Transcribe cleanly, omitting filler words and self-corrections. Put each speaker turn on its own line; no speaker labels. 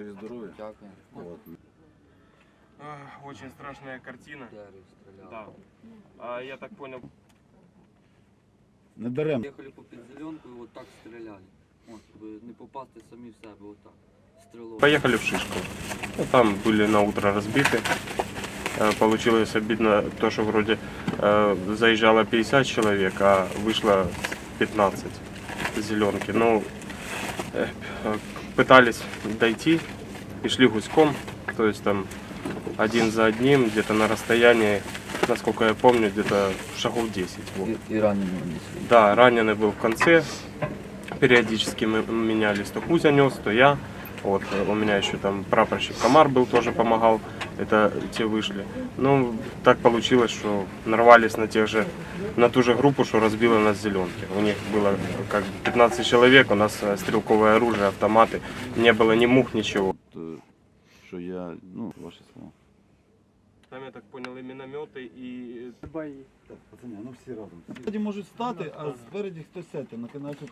живі, здорові.
Дякую.
Вот.
Очень страшная картина.
Дерев стріляв.
Да. А я так понял,
Не дарем.
Їхали по підзеленку і отак стріляли. От, щоб не попасти самі в себе, отак. Стрілок.
поехали в Шишку. Ну, там были на утро разбиты. Получилось обидно то, что вроде заезжало 50 человек, а вышло 15 зеленки. Ну, пытались дойти и шли гуськом, то есть там один за одним, где-то на расстоянии, насколько я помню, где-то шагов 10. Вот.
І ранені несли.
Да, раненый был в конце, периодически мы менялись, то Кузя нес, то я. Вот, у меня еще там прапорщик Комар был, тоже помогал, это те вышли. Ну, так получилось, что нарвались на ту же группу, что разбила нас зеленки. У них было как 15 человек, у нас стрелковое оружие, автоматы, не было ни мух, ничего.
Що я, ну, ваші слова.
Там, я так понял, и минометы, и бои.
Пацани, ну всі разом. Спереді можуть стати, а спереді хтось сяти, починають